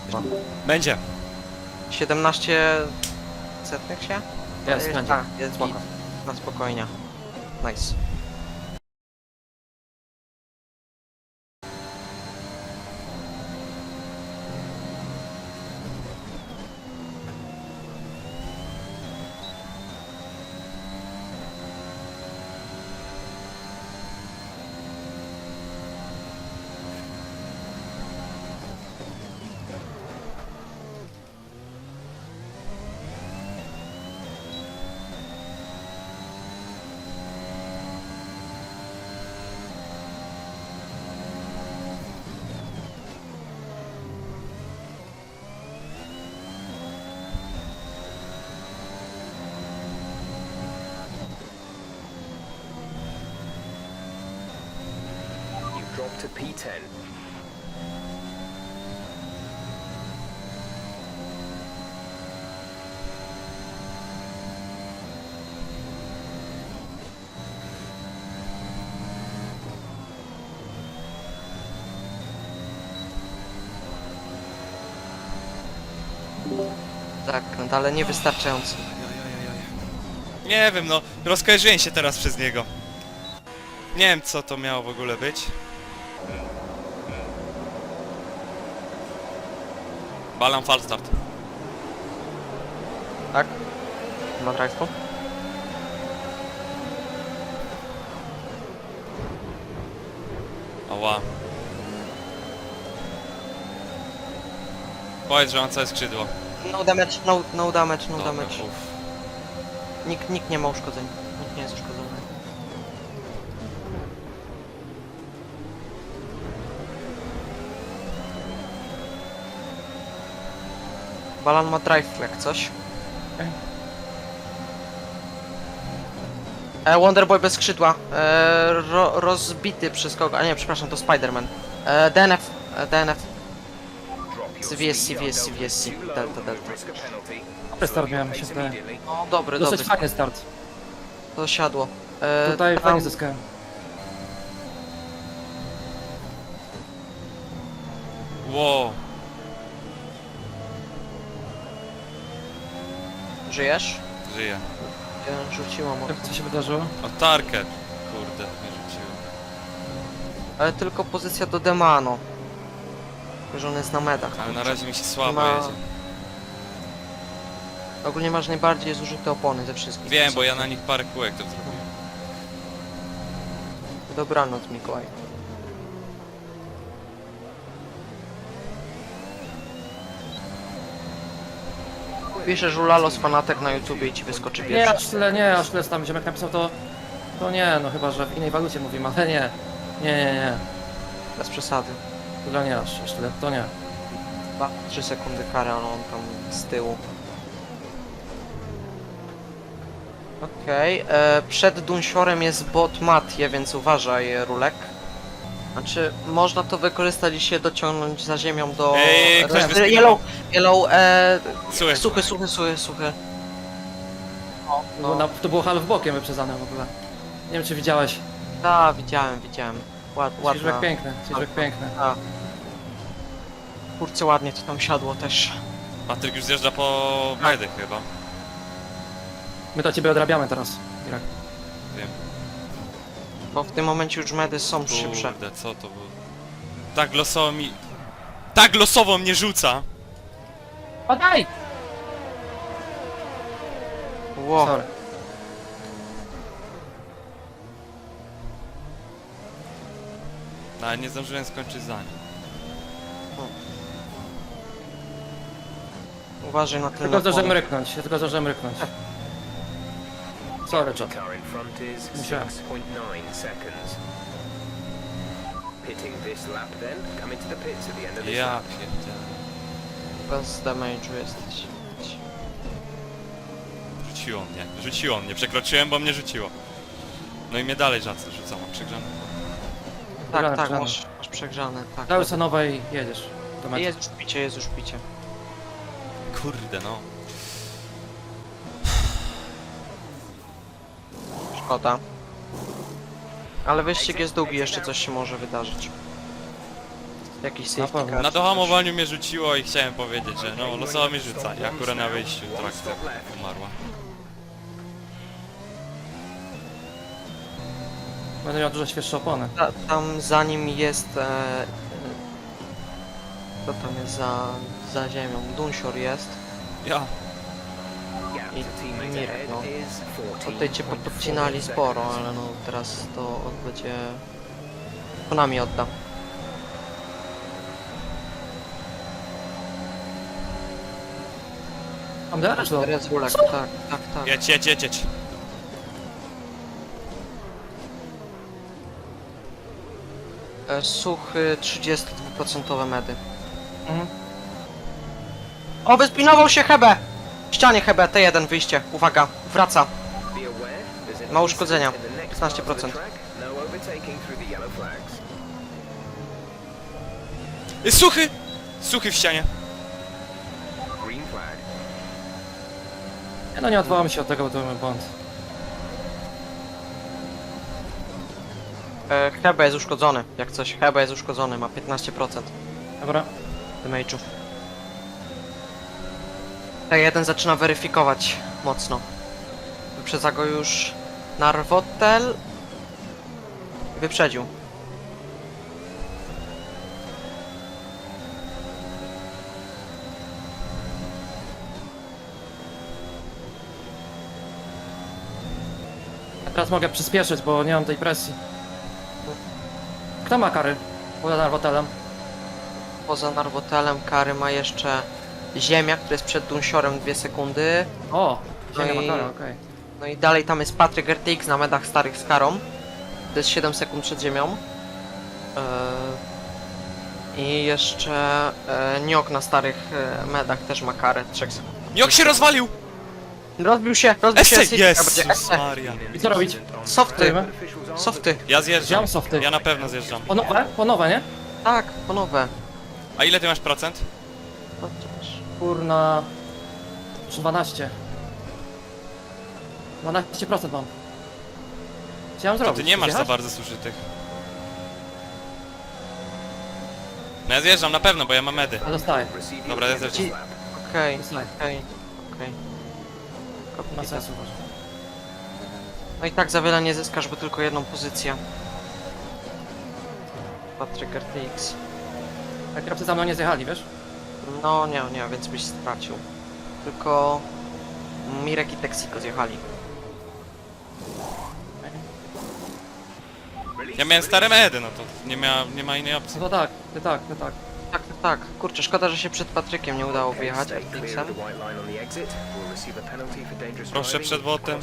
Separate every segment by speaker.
Speaker 1: Będzie.
Speaker 2: 17 setnych się?
Speaker 3: Jest, będzie.
Speaker 2: Tak, jest
Speaker 3: Spoko.
Speaker 2: git. Na spokojnie. Nice.
Speaker 4: You drop to P10.
Speaker 2: Zakręt, ale niewystarczający.
Speaker 1: Nie wiem, no. Rozkojarzyłem się teraz przez niego. Nie wiem, co to miało w ogóle być. Balan falstart.
Speaker 2: Tak? Ma drive'u?
Speaker 1: Ała. Powiedz, że mam całe skrzydło.
Speaker 2: No damage, no damage, no
Speaker 1: Dobra,
Speaker 2: damage.
Speaker 1: uff.
Speaker 2: Nikt nie ma uszkodzeń. Nikt nie jest uszkodzony. Balan ma drive jak coś. Wonderboy bez skrzydła. Rozbity przez kogo? A nie, przepraszam, to Spider-Man. DNF. DNF.
Speaker 4: Drop your
Speaker 2: VSC,
Speaker 4: speed,
Speaker 2: VSC,
Speaker 4: Delta
Speaker 2: VSC.
Speaker 4: too low,
Speaker 2: Delta, Delta.
Speaker 4: risk a penalty.
Speaker 3: Dobry start miałem, się wydaje.
Speaker 4: Immediately.
Speaker 2: No, dobry, dobry.
Speaker 3: Dosyć fajny start.
Speaker 2: To siadło.
Speaker 3: Tutaj
Speaker 2: tam-
Speaker 3: fajnie zyskałem.
Speaker 1: Wow.
Speaker 2: Żyjesz?
Speaker 1: Żyję.
Speaker 2: Ja rzuciłam od...
Speaker 3: Co się wydarzyło?
Speaker 1: O, tarkę. Kurde, nie rzuciłem.
Speaker 2: Ale tylko pozycja do Demano. Że on jest na medach.
Speaker 1: Ale na razie mi się słabo
Speaker 2: Ma-
Speaker 1: jedzie.
Speaker 2: Ogólnie masz najbardziej zużyte opony ze wszystkich.
Speaker 1: Wiem, bo ja na nich parę kółek to zrobiłem.
Speaker 2: Dobranoc, Mikołaj. Piszesz Ulalos fanatek na YouTubie i ci wyskoczy
Speaker 3: Nie,
Speaker 2: pierwszy.
Speaker 3: aż tyle tam ziomek napisał to nie, no chyba, że w innej walucie mówimy, ale nie. Nie.
Speaker 2: Bez przesady.
Speaker 3: Tyle nie, aż tyle, to nie.
Speaker 2: 3 sekundy kary, ale on tam z tyłu. Okej, przed Dunsiorem jest bot Mattie, więc uważaj, Rulek. Znaczy, można to wykorzystać i się dociągnąć za ziemią do...
Speaker 1: Ktoś wyskakał.
Speaker 2: Yellow,
Speaker 1: Słuchaj.
Speaker 2: suchy. No.
Speaker 3: To było half bokiem wyprzedzane w ogóle. Nie wiem, czy widziałeś.
Speaker 2: Tak, widziałem. Ładna.
Speaker 3: Ciżbek piękny.
Speaker 2: A. Kurczę, ładnie to tam siadło też.
Speaker 1: Patryk już zjeżdża po medy chyba.
Speaker 3: My to ciebie odrabiamy teraz, Irak.
Speaker 1: Wiem.
Speaker 2: Bo w tym momencie już medy są szybsze.
Speaker 1: Kurde, co to było? Tak losowo mi... Tak losowo mnie rzuca!
Speaker 3: Padaj!
Speaker 2: Ło,
Speaker 3: Sorry.
Speaker 1: No, ale nie zdążyłem skończyć za nim.
Speaker 2: uważaj na ten
Speaker 3: Tylko zdążyłem ryknąć, Sorry, John.
Speaker 4: Car in front is
Speaker 3: Musiałem.
Speaker 4: 6.9 seconds. Pitting this lap then, come into the pits at the end of this
Speaker 1: Ja
Speaker 4: lap.
Speaker 1: pierdzielę.
Speaker 2: Bez damage'u jesteś.
Speaker 1: Rzuciło mnie, przekroczyłem, bo mnie rzuciło. No i mnie dalej rzuca, mam przegrzane.
Speaker 2: Tak,
Speaker 3: Przegrzane.
Speaker 2: masz przegrzane, tak.
Speaker 3: Dałeś sobie nowe i jedziesz. Do mety.
Speaker 2: Jest już picie.
Speaker 1: Kurde no.
Speaker 2: Szkoda. Ale wyścig jest długi, jeszcze coś się może wydarzyć. Jakiś
Speaker 3: Na
Speaker 2: safety
Speaker 3: pewno.
Speaker 2: car.
Speaker 1: Na dohamowaniu mnie rzuciło i chciałem powiedzieć, że no losowo mnie rzuca. I akurat na wyjściu trakcja umarła.
Speaker 3: Będę miał dużo świeższe opony.
Speaker 2: Tam za nim jest... Co tam jest za ziemią? Dunsior jest.
Speaker 1: Ja.
Speaker 4: Gap
Speaker 2: I
Speaker 4: to teammates
Speaker 2: Mirek,
Speaker 4: ahead
Speaker 2: no.
Speaker 4: is
Speaker 2: Tutaj cię
Speaker 4: 14.4
Speaker 2: podcinali sporo,
Speaker 4: seconds.
Speaker 2: ale no teraz to będzie... Konami odda.
Speaker 3: Mam deraż do...
Speaker 2: Rezulek, tak, tak, tak.
Speaker 1: Jedź, jedź, jedź, jedź.
Speaker 2: Suchy 32% medy.
Speaker 3: Mhm.
Speaker 2: O, wyspinował się Hebe! W ścianie Hebe, T1 wyjście. Uwaga, wraca.
Speaker 4: Be aware, there's an
Speaker 2: Ma uszkodzenia.
Speaker 4: incident in the next part of the
Speaker 2: 15%.
Speaker 4: track. No overtaking through the yellow flags.
Speaker 1: Jest suchy! Suchy w ścianie.
Speaker 4: Green flag.
Speaker 3: No nie odwołamy się od tego, bo to był błąd.
Speaker 2: Hebe jest uszkodzony, jak coś. Hebe jest uszkodzony, ma 15%
Speaker 3: Dobra.
Speaker 2: damage'u. T1 zaczyna weryfikować mocno. Wyprzedza go już Narwotel. Wyprzedził.
Speaker 3: Ja teraz mogę przyspieszyć, bo nie mam tej presji. Kto ma kary? Poza hotelem.
Speaker 2: Poza Narwotelem kary ma jeszcze Ziemia, który jest przed Dunsiorem 2 sekundy.
Speaker 3: O!
Speaker 2: No
Speaker 3: Ziemia
Speaker 2: i-
Speaker 3: ma karę, okej.
Speaker 2: No i dalej tam jest Patryk RTX na medach starych z karą. To jest 7 sekund przed Ziemią. I jeszcze Niok na starych medach też ma karę 3 sekund.
Speaker 1: Jak się rozwalił!
Speaker 2: Rozbił się
Speaker 1: Esse!
Speaker 2: City, będzie
Speaker 1: Jezus
Speaker 2: Esse.
Speaker 1: Maria.
Speaker 3: I co robić?
Speaker 2: Softy,
Speaker 3: Stoimy?
Speaker 2: softy.
Speaker 1: Ja zjeżdżam.
Speaker 3: Wziąłem softy.
Speaker 1: Ja na pewno zjeżdżam.
Speaker 3: Po nowe? Po nowe, nie?
Speaker 2: Tak, ponowne.
Speaker 1: A ile ty masz procent?
Speaker 3: Kurna... 12. 12% mam. Co ja mam
Speaker 1: To
Speaker 3: zrobić?
Speaker 1: ty nie masz za
Speaker 3: Zjechać?
Speaker 1: bardzo zużytych. No ja zjeżdżam na pewno, bo ja mam medy.
Speaker 3: A dostaję.
Speaker 1: Dobra, ja zjeżdżam.
Speaker 2: Okej,
Speaker 3: Dostaję.
Speaker 2: okej.
Speaker 3: Ma sensu może.
Speaker 2: No i tak za wiele nie zyskasz, bo tylko jedną pozycję. Patryk RTX.
Speaker 3: A kierowcy za mną nie zjechali, wiesz?
Speaker 2: No nie, więc byś stracił. Tylko Mirek i Texiko zjechali.
Speaker 1: Ja miałem stare medy, no to nie ma innej opcji.
Speaker 3: No to tak, ty tak, ty tak.
Speaker 2: Tak, tak, tak. Kurczę, szkoda, że się przed Patrykiem nie udało wyjechać RTX-em.
Speaker 1: Proszę przed botem.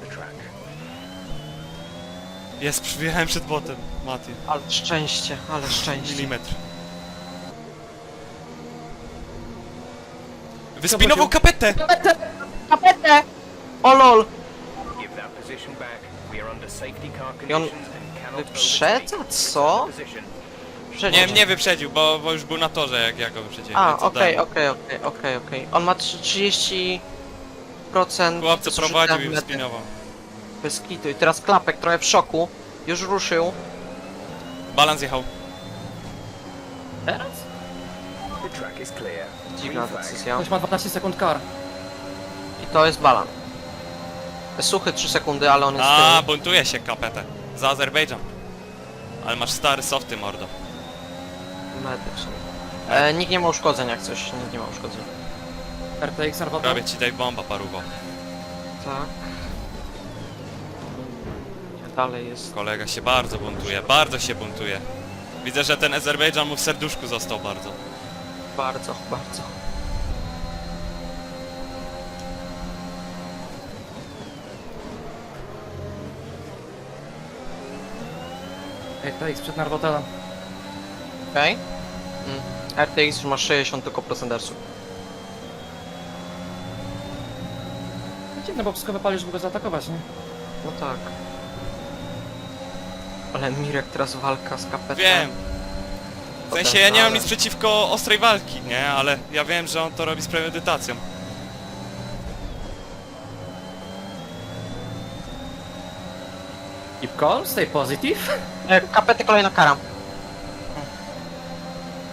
Speaker 1: Jest, przyjechałem przed botem, Mati.
Speaker 2: Ale szczęście, ale szczęście.
Speaker 1: Milimetr. Wyspinował kapetę!
Speaker 2: Kapetę! O lol!
Speaker 4: I on
Speaker 2: wyprzedza? Co?
Speaker 1: Nie, nie wyprzedził, bo już był na torze, jak ja go wyprzedziłem.
Speaker 2: A,
Speaker 1: więc
Speaker 2: okej,
Speaker 1: oddałem.
Speaker 2: okej. On ma 30%.
Speaker 1: Chłopco
Speaker 2: zużycia
Speaker 1: prowadził i
Speaker 2: medy.
Speaker 1: wyspinował.
Speaker 2: Bez kitu. I teraz Klapek trochę w szoku. Już ruszył.
Speaker 1: Balans jechał.
Speaker 3: Teraz?
Speaker 2: Dziwna decyzja.
Speaker 3: Ktoś ma 12 sekund kar.
Speaker 2: I to jest balan. Suchy 3 sekundy, ale on jest z
Speaker 1: A,
Speaker 2: tyłu.
Speaker 1: buntuje się kapetę. Za Azerbejdżan. Ale masz stary softy, mordo.
Speaker 2: Medy w sumie. Nikt nie ma uszkodzeń jak coś. Nikt nie ma uszkodzeń.
Speaker 3: RTX Narwata.
Speaker 1: Prawie ci daj bomba, paruwo.
Speaker 2: Tak. Dalej jest.
Speaker 1: Kolega się bardzo buntuje, bardzo się buntuje. Widzę, że ten Azerbejdżan mu w serduszku został bardzo.
Speaker 2: Bardzo, bardzo.
Speaker 3: RTX przed Narwotelem.
Speaker 2: Okej. RTX już ma 60 tylko procendersu.
Speaker 3: Dziwne, bo wszystko wypalisz, żeby go zaatakować, nie?
Speaker 2: No tak. Ale Mirek teraz walka z kapetem.
Speaker 1: Wiem. W sensie ja nie mam nic przeciwko ostrej walki, nie? Ale ja wiem, że on to robi z premedytacją.
Speaker 3: Keep calm, stay positive.
Speaker 2: Kapety kolejna kara.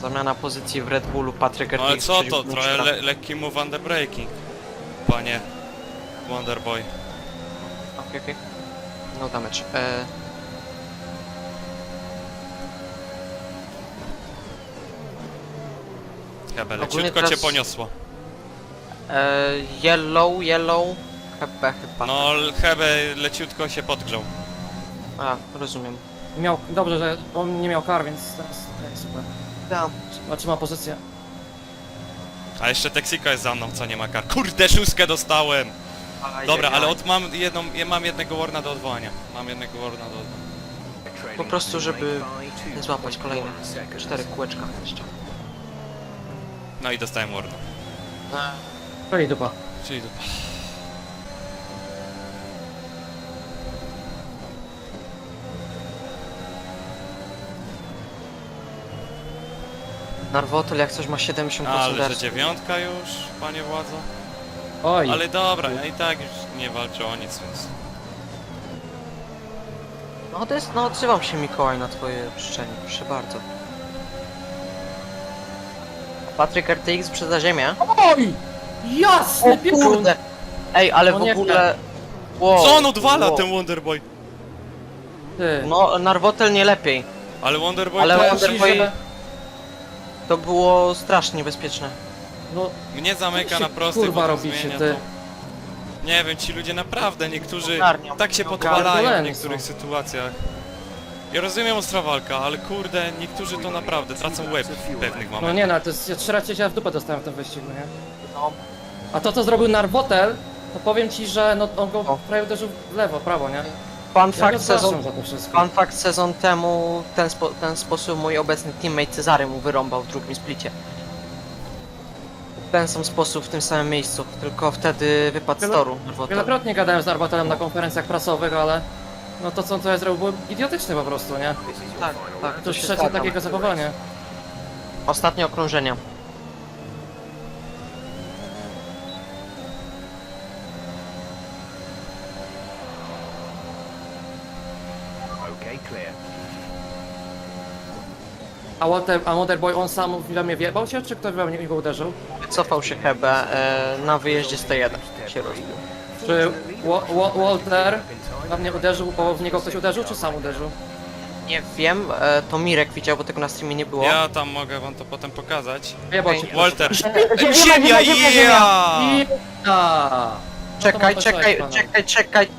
Speaker 2: Zamiana pozycji w Red Bullu, Patryk
Speaker 1: No ale
Speaker 2: RTX
Speaker 1: co to?
Speaker 2: przeciwko
Speaker 1: Trochę
Speaker 2: Mistrza.
Speaker 1: lekki move underbreaking. Panie Wonderboy.
Speaker 2: Okej. No damage.
Speaker 1: Chyba
Speaker 2: Ogólnie
Speaker 1: leciutko
Speaker 2: teraz-
Speaker 1: cię poniosło.
Speaker 2: Yellow. Chyba.
Speaker 1: No Hebe leciutko się podgrzał.
Speaker 2: A, rozumiem.
Speaker 3: Miał, dobrze, że on nie miał kar, więc teraz okej, super.
Speaker 2: Da.
Speaker 3: Trzyma pozycję.
Speaker 1: A jeszcze Texiko jest za mną, co nie ma kar. Kurde, szóstkę dostałem! Dobra, ale mam jednego warna do odwołania. Mam jednego warna do odwołania.
Speaker 2: Po prostu, żeby nie złapać kolejne 4 kółeczka jeszcze.
Speaker 1: No i dostałem warna.
Speaker 3: To i dupa.
Speaker 1: Czyli dupa.
Speaker 2: Narwotel jak coś ma 70%
Speaker 1: Ale że
Speaker 2: RS.
Speaker 1: dziewiątka już, panie władzo.
Speaker 3: Oj,
Speaker 1: Ale dobra, ja i tak już nie walczę o nic, więc...
Speaker 2: No to jest, no odzywam się Mikołaj na twoje życzenie, proszę bardzo. Patryk RTX przez ziemię.
Speaker 3: oj! Jasny
Speaker 2: O
Speaker 3: piekun!
Speaker 2: kurde! Ej, ale
Speaker 3: No
Speaker 2: w
Speaker 3: nie
Speaker 2: ogóle... Wow,
Speaker 1: Co on odwala,
Speaker 2: wow.
Speaker 1: ten Wonderboy?
Speaker 3: Ty.
Speaker 2: No, Narwotel nie lepiej.
Speaker 1: Ale Wonderboy
Speaker 2: Ale
Speaker 1: to
Speaker 2: Wonderboy-
Speaker 3: że-
Speaker 2: To było strasznie niebezpieczne.
Speaker 3: No,
Speaker 1: mnie zamyka
Speaker 3: Co
Speaker 1: na
Speaker 3: się,
Speaker 1: prostych,
Speaker 3: kurwa,
Speaker 1: potem
Speaker 3: robicie,
Speaker 1: zmienia
Speaker 3: ty?
Speaker 1: to. Nie wiem, ci ludzie naprawdę, niektórzy
Speaker 2: Ogarniam,
Speaker 1: tak się
Speaker 2: ogarniam.
Speaker 1: podpalają w
Speaker 3: Pierdoleni
Speaker 1: niektórych
Speaker 3: są.
Speaker 1: sytuacjach. Ja rozumiem ostra walka, ale kurde, niektórzy to naprawdę tracą łeb w pewnych
Speaker 3: no
Speaker 1: momentach.
Speaker 3: nie no, to jest, ja 3 razy się w dupę dostałem w tym wyścigu, nie?
Speaker 2: No,
Speaker 3: A to co zrobił Narwotel, to powiem ci, że no on go
Speaker 2: O.
Speaker 3: prawie uderzył w lewo, prawo, nie?
Speaker 2: fun
Speaker 3: Ja go
Speaker 2: fact sezon...
Speaker 3: zgłaszam za to wszystko.
Speaker 2: Fun fact sezon temu ten sposób mój obecny teammate Cezary mu wyrąbał w drugim splicie. W ten sam sposób w tym samym miejscu, tylko wtedy wypadł z
Speaker 3: Wiele-
Speaker 2: toru. Narwotel.
Speaker 3: Wielokrotnie gadałem z Narwotelem na konferencjach prasowych, ale... No to co ja zrobił było idiotyczne po prostu, nie?
Speaker 2: Tak, tak,
Speaker 3: To
Speaker 2: to
Speaker 3: już
Speaker 2: się
Speaker 3: trzecie
Speaker 2: zgadzam.
Speaker 3: takiego zachowania.
Speaker 2: Ostatnie okrążenie.
Speaker 4: Okay, clear.
Speaker 3: A Wonderboy on sam w mnie wjebał się, czy ktoś we mnie go uderzył?
Speaker 2: Wycofał się Hebe na wyjeździe 101 się rozbił.
Speaker 3: Czy Walter we mnie uderzył, bo w niego ktoś uderzył, czy sam uderzył?
Speaker 2: Nie wiem, to Mirek widział, bo tego na streamie nie było.
Speaker 1: Ja tam mogę wam to potem pokazać.
Speaker 3: Wjebał
Speaker 2: Okej.
Speaker 3: cię.
Speaker 1: Walter!
Speaker 2: Ziemia,
Speaker 1: Ziemia,
Speaker 2: ziemia, ziemia!
Speaker 1: ja!
Speaker 3: Ja!
Speaker 2: Czekaj,
Speaker 3: No to
Speaker 2: czekaj.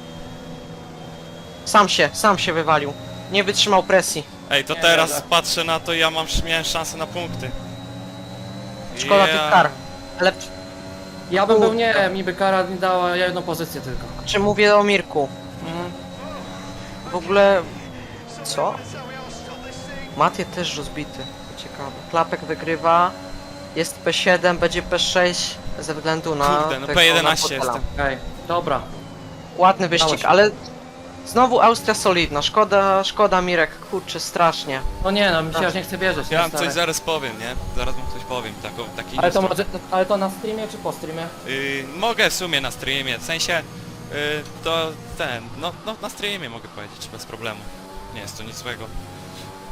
Speaker 2: Sam się wywalił. Nie wytrzymał presji.
Speaker 1: Ej, to
Speaker 3: Nie,
Speaker 1: teraz
Speaker 3: dobra.
Speaker 1: patrzę na to i miałem szansę na punkty.
Speaker 2: Szkoda tych kar. Ale
Speaker 3: Ja bym był nie, mi by kara nie dała jedną pozycję tylko.
Speaker 2: czy mówię o Mirku?
Speaker 3: Mhm.
Speaker 2: W ogóle... Co? Matie też rozbity. Ciekawe. Klapek wygrywa. Jest P7, będzie P6 ze względu na...
Speaker 1: Kurde, no
Speaker 2: tego
Speaker 1: P11
Speaker 2: Narwotela.
Speaker 1: jestem.
Speaker 3: Okej, dobra.
Speaker 2: Ładny wyścig,
Speaker 3: Dało się.
Speaker 2: ale... Znowu Austria solidna. Szkoda Mirek, kurczę, strasznie.
Speaker 3: No nie no, mi się aż nie chce wierzyć.
Speaker 1: Ja
Speaker 3: nie
Speaker 1: wam coś
Speaker 3: stary.
Speaker 1: zaraz powiem, nie? Zaraz wam coś powiem, taki
Speaker 3: Ale to,
Speaker 1: news.
Speaker 3: ale to na streamie czy po streamie?
Speaker 1: Mogę w sumie na streamie, w sensie to na streamie mogę powiedzieć bez problemu. Nie jest to nic złego.